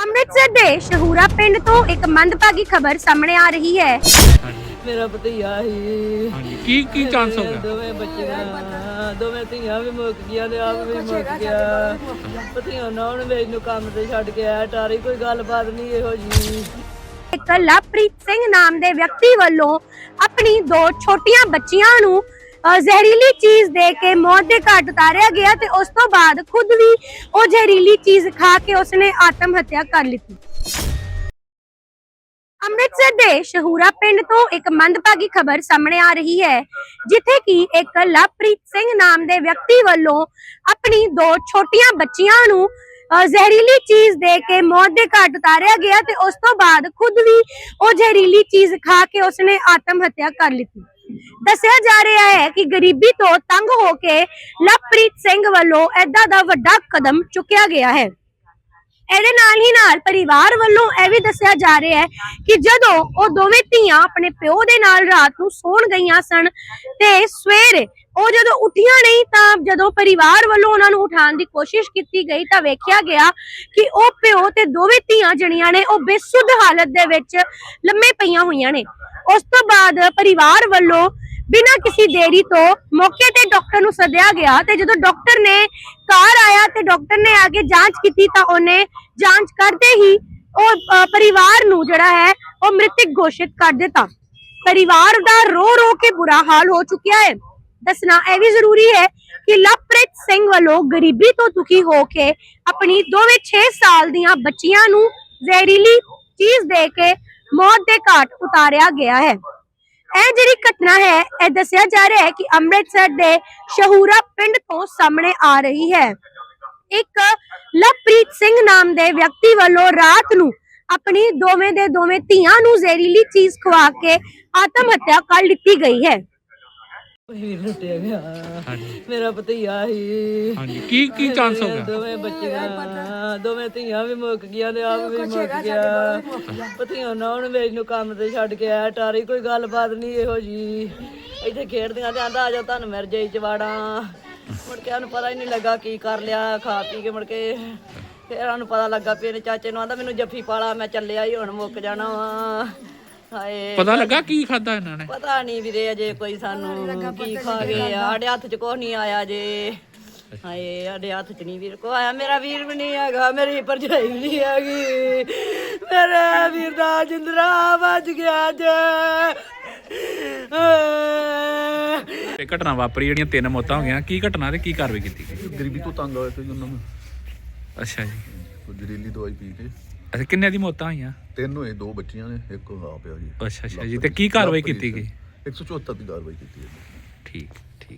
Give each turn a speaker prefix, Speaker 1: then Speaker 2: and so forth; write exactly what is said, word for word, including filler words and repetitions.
Speaker 1: ਅੰਮ੍ਰਿਤਸਰ ਦੇ ਸ਼ਹੂਰਾ ਪਿੰਡ ਤੋਂ ਇੱਕ ਮੰਦਭਾਗੀ ਖਬਰ ਸਾਹਮਣੇ ਆ ਰਹੀ ਹੈ।
Speaker 2: ਮੇਰਾ ਭਤੀਆ ਹੀ
Speaker 3: ਹਾਂਜੀ ਕੀ ਕੀ ਚਾਂਸ ਹੋ ਗਿਆ?
Speaker 2: ਦੋਵੇਂ ਬੱਚੀਆਂ ਦੋਵੇਂ ਧੀਆਂ ਵੀ ਮੁੱਕ ਗਈਆਂ ਤੇ ਆਪ ਵੀ ਮੁੱਕ ਗਿਆ। ਭਤੀਆ ਨਾ ਉਹਨੇ ਵੇਚ ਨੂੰ ਕੰਮ ਤੇ ਛੱਡ ਕੇ ਆਇਆ ਟਾਰੀ ਕੋਈ ਗੱਲਬਾਤ ਨਹੀਂ ਇਹੋ ਜੀ।
Speaker 1: ਇੱਕ ਲਵਪ੍ਰੀਤ ਸਿੰਘ ਨਾਮ ਦੇ ਵਿਅਕਤੀ ਵੱਲੋਂ ਆਪਣੀ ਦੋ ਛੋਟੀਆਂ ਬੱਚੀਆਂ ਨੂੰ ਅਹ ਜ਼ਹਿਰੀਲੀ ਚੀਜ਼ ਦੇ ਕੇ ਮੌਤ ਦੇ ਘਾਟ ਉਤਾਰਿਆ ਗਿਆ ਤੇ ਉਸ ਤੋਂ ਬਾਅਦ ਖੁਦ ਵੀ ਉਹ ਜ਼ਹਿਰੀਲੀ ਚੀਜ਼ ਖਾ ਕੇ ਉਸਨੇ ਆਤਮ ਹੱਤਿਆ ਕਰ ਲਿੱਤੀ। ਅੰਮ੍ਰਿਤਸਰ ਦੇ ਸ਼ਹੂਰਾ ਪਿੰਡ ਤੋਂ ਇੱਕ ਮੰਦਭਾਗੀ ਖਬਰ ਸਾਹਮਣੇ ਆ ਰਹੀ ਹੈ, ਜਿੱਥੇ ਕਿ ਇੱਕ ਲਵਪ੍ਰੀਤ ਸਿੰਘ ਨਾਮ ਦੇ ਵਿਅਕਤੀ ਵੱਲੋਂ ਆਪਣੀ ਦੋ ਛੋਟੀਆਂ ਬੱਚੀਆਂ ਨੂੰ ਜ਼ਹਿਰੀਲੀ ਚੀਜ਼ ਦੇ ਕੇ ਮੌਤ ਦੇ ਘਾਟ ਉਤਾਰਿਆ ਗਿਆ ਤੇ ਉਸ ਤੋਂ ਬਾਅਦ ਖੁਦ ਵੀ ਉਹ ਜ਼ਹਿਰੀਲੀ ਚੀਜ਼ ਖਾ ਕੇ ਉਸਨੇ ਆਤਮ ਹੱਤਿਆ ਕਰ ਲਿੱਤੀ। ਦੱਸਿਆ ਜਾ ਰਿਹਾ ਹੈ ਕਿ ਗਰੀਬੀ ਤੋਂ ਤੰਗ ਹੋ ਕੇ ਲਵਪ੍ਰੀਤ ਸਿੰਘ ਵੱਲੋਂ ਏਦਾਂ ਦਾ ਵੱਡਾ ਕਦਮ ਚੁੱਕਿਆ ਗਿਆ ਹੈ। ਇਹਦੇ ਨਾਲ ਹੀ ਨਾਲ ਪਰਿਵਾਰ ਵੱਲੋਂ ਇਹ ਵੀ ਦੱਸਿਆ ਜਾ ਰਿਹਾ ਹੈ ਕਿ ਜਦੋਂ ਉਹ ਦੋਵੇਂ ਧੀਆਂ ਆਪਣੇ ਪਿਓ ਦੇ ਨਾਲ ਰਾਤ ਨੂੰ ਸੌਣ ਗਈਆਂ ਸਨ ਤੇ ਸਵੇਰੇ ਉਹ ਜਦੋਂ ਉੱਠੀਆਂ ਨਹੀਂ ਤਾਂ ਜਦੋਂ ਪਰਿਵਾਰ ਵੱਲੋਂ ਉਹਨਾਂ ਨੂੰ ਉਠਾਉਣ ਦੀ ਕੋਸ਼ਿਸ਼ ਕੀਤੀ ਗਈ ਤਾਂ ਵੇਖਿਆ ਗਿਆ ਕਿ ਉਹ ਪਿਓ ਤੇ ਦੋਵੇਂ ਧੀਆਂ ਜਣੀਆਂ ਨੇ ਉਹ ਬੇਸੁੱਧ ਹਾਲਤ ਦੇ ਵਿੱਚ ਲੰਮੇ ਪਈਆਂ ਹੋਈਆਂ ਨੇ। ਉਸ ਤੋਂ ਬਾਅਦ ਪਰਿਵਾਰ ਵੱਲੋਂ ਬਿਨਾਂ ਕਿਸੇ ਦੇਰੀ ਤੋਂ ਮੌਕੇ ਤੇ ਡਾਕਟਰ ਨੂੰ ਸੱਦਿਆ ਗਿਆ ਤੇ ਜਦੋਂ ਡਾਕਟਰ ਨੇ ਘਰ ਆਇਆ ਤੇ ਡਾਕਟਰ ਨੇ ਆ ਕੇ ਜਾਂਚ ਕੀਤੀ ਤਾਂ ਉਹਨੇ ਜਾਂਚ ਕਰਦੇ ਹੀ ਉਹ ਪਰਿਵਾਰ ਨੂੰ ਜਿਹੜਾ ਹੈ ਉਹ ਮ੍ਰਿਤਕ ਘੋਸ਼ਿਤ ਕਰ ਦਿੱਤਾ। ਪਰਿਵਾਰ ਦਾ ਰੋ ਰੋ ਕੇ ਬੁਰਾ ਹਾਲ ਹੋ ਚੁੱਕਿਆ ਹੈ। ਦੱਸਣਾ ਇਹ ਵੀ ਜ਼ਰੂਰੀ ਹੈ ਕਿ ਲਵਪ੍ਰੀਤ ਸਿੰਘ ਵੱਲੋਂ ਗਰੀਬੀ ਤੋਂ ਦੁਖੀ ਹੋ ਕੇ ਆਪਣੀ ਦੋਵੇਂ ਛੇ ਸਾਲ ਦੀਆਂ ਬੱਚੀਆਂ ਨੂੰ ਜ਼ਹਿਰੀਲੀ ਚੀਜ਼ ਦੇ ਕੇ ਮੌਤ ਦੇ ਘਾਟ ਉਤਾਰਿਆ ਗਿਆ ਹੈ। ਇਹ ਜਿਹੜੀ ਘਟਨਾ ਹੈ ਇਹ ਦੱਸਿਆ ਜਾ ਰਿਹਾ ਹੈ ਕਿ ਅੰਮ੍ਰਿਤਸਰ ਦੇ ਸ਼ਹੂਰਾ ਪਿੰਡ ਤੋਂ ਸਾਹਮਣੇ ਆ ਰਹੀ ਹੈ। ਇੱਕ ਲਵਪ੍ਰੀਤ ਸਿੰਘ ਨਾਮ ਦੇ ਵਿਅਕਤੀ ਵੱਲੋਂ ਰਾਤ ਨੂੰ ਆਪਣੀ ਦੋਵੇਂ ਦੇ ਦੋਵੇਂ ਧੀਆਂ ਨੂੰ ਜ਼ਹਿਰੀਲੀ ਚੀਜ਼ ਖਵਾ ਕੇ ਆਤਮ ਹੱਤਿਆ ਕਰ ਲਿੱਤੀ ਗਈ ਹੈ।
Speaker 2: ਵੀਰ ਲੁੱਟਿਆ ਗਿਆ
Speaker 3: ਹਾਂਜੀ
Speaker 2: ਮੇਰਾ ਭਤੀਆ ਹੀ।
Speaker 3: ਹਾਂਜੀ ਕੀ ਕੀ ਚਾਂਸ ਹੋ ਗਿਆ?
Speaker 2: ਦੋਵੇਂ ਬੱਚੀਆਂ ਦੋਵੇਂ ਧੀਆਂ ਵੀ ਮੁੱਕ ਗਈਆਂ ਤੇ ਆਪ ਵੀ ਮੁੱਕ ਗਿਆ। ਭਤੀਆ ਨਾ ਉਹਨੇ ਵੇਚ ਨੂੰ ਕੰਮ ਤੇ ਛੱਡ ਕੇ ਆਇਆ ਟਾਰੀ ਕੋਈ ਗੱਲਬਾਤ ਨਹੀਂ ਇਹੋ ਜੀ। ਇੱਥੇ ਖੇਡਦੀਆਂ ਤੇ ਆਂਦਾ ਆ ਜਾ ਤੁਹਾਨੂੰ ਮਿਰ ਜਾਈ ਚਵਾੜਾਂ। ਮੁੜ ਕੇ ਉਹਨੂੰ ਪਤਾ ਹੀ ਨਹੀਂ ਲੱਗਾ ਕੀ ਕਰ ਲਿਆ ਖਾ ਪੀ ਕੇ। ਮੁੜ ਕੇ ਫਿਰ ਉਹਨੂੰ ਪਤਾ ਲੱਗਾ ਵੀ ਇਹਨੇ ਚਾਚੇ ਨੂੰ ਆਂਦਾ ਮੈਨੂੰ ਜੱਫੀ ਪਾਲਾ ਮੈਂ ਚੱਲਿਆ ਹੀ ਹੁਣ ਮੁੱਕ ਜਾਣਾ ਵਾ। ਹਾਏ
Speaker 3: ਪਤਾ ਲੱਗਾ ਕੀ ਖਾਦਾ ਇਹਨਾਂ ਨੇ?
Speaker 2: ਪਤਾ ਨਹੀਂ ਵੀਰੇ ਅਜੇ ਕੋਈ ਸਾਨੂੰ ਕੀ ਖਾ ਗਏ ਆ। ਸਾਡੇ ਹੱਥ 'ਚ ਕੁਛ ਨਹੀਂ ਆਇਆ ਜੇ। ਹਾਏ ਸਾਡੇ ਹੱਥ 'ਚ ਨਹੀਂ ਵੀਰ ਕੋ ਆਇਆ। ਮੇਰਾ ਵੀਰ ਵੀ ਨਹੀਂ ਹੈਗਾ, ਮੇਰੀ ਭਰਜਾਈ ਵੀ ਨਹੀਂ ਹੈਗੀ। ਮੇਰੇ ਵੀਰ ਦਾ ਜਿੰਦਰਾ ਵੱਜ ਗਿਆ ਜੇ।
Speaker 3: ਇਹ ਘਟਨਾ ਵਾਪਰੀ ਜਿਹੜੀਆਂ ਤਿੰਨ ਮੌਤਾਂ ਹੋ ਗਈਆਂ, ਕੀ ਘਟਨਾ ਤੇ ਕੀ ਕਾਰਵਾਈ ਕੀਤੀ ਗਈ?
Speaker 4: ਗਰੀਬੀ ਤੋਂ ਤੰਗ ਹੋਏ ਸੀ ਉਹਨਾਂ ਨੂੰ
Speaker 3: ਅੱਛਾ ਜੀ।
Speaker 4: ਕੋਈ ਜ਼ਹਿਰੀਲੀ ਦਵਾਈ ਪੀ ਕੇ
Speaker 3: ਅੱਛਾ ਕਿੰਨੇ ਦੀ ਮੌਤਾਂ ਹੋਈਆਂ?
Speaker 4: ਤਿੰਨ ਹੋਏ, ਦੋ ਬੱਚੀਆਂ ਨੇ ਇੱਕ ਆ ਪਿਆ ਜੀ।
Speaker 3: ਅੱਛਾ ਅੱਛਾ ਜੀ ਤੇ ਕੀ ਕਾਰਵਾਈ ਕੀਤੀ ਗਈ?
Speaker 4: ਇੱਕ ਸੌ ਚੁਹੱਤਰ ਦੀ ਕਾਰਵਾਈ ਕੀਤੀ ਹੈ।
Speaker 3: ਠੀਕ।